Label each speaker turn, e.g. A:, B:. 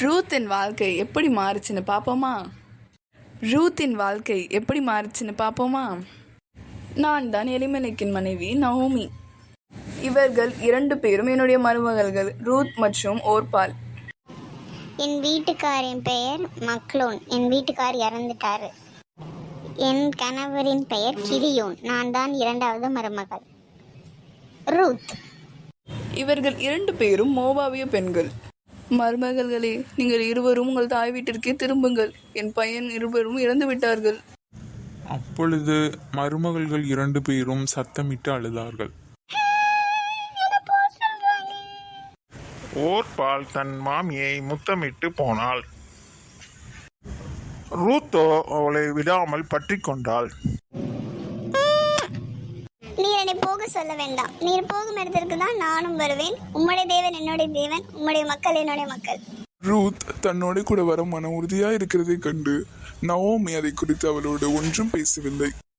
A: ரூத்தின் வாழ்க்கை எப்படி மாறுச்சுன்னு பார்ப்போமா? நான் தான் எலிமெலேக்கின் மனைவி நவோமி. இவர்கள் 2 பேரும் என்னுடைய மருமகள்கள், ரூத் மற்றும் ஓர்பால்.
B: என் வீட்டுக்காரின் பெயர் மக்லோன். என் வீட்டுக்கார் இறந்துட்டாரு. என் கணவரின் பெயர் கிதியோன். நான் தான் 2வது மருமகள் ரூத்.
A: இவர்கள் 2 பேரும் மோவாபிய பெண்கள். மருமகள்களே, நீங்கள் இருவரும் உங்கள் தாய் வீட்டிற்கே திரும்புங்கள். என் பையன் இருவரும் இறந்து விட்டார்கள்.
C: அப்பொழுது மருமகள்கள் 2 பேரும் சத்தமிட்டு அழுதார்கள்.
D: ஓர்பால் தன் மாமியை முத்தமிட்டு போனாள். ரூத்தோ அவளை விடாமல் பற்றி கொண்டாள்.
B: நீர் என்னை போக சொல்ல வேண்டாம். நீர் போகும் இடத்திற்கு தான் நானும் வருவேன். உம்முடைய தேவன் என்னுடைய தேவன், உம்முடைய மக்கள் என்னுடைய மக்கள்.
C: ரூத் தன்னோட கூட வர மன உறுதியா இருக்கிறதை கண்டு நவோமி அதை குறித்து அவளோடு ஒன்றும் பேசவில்லை.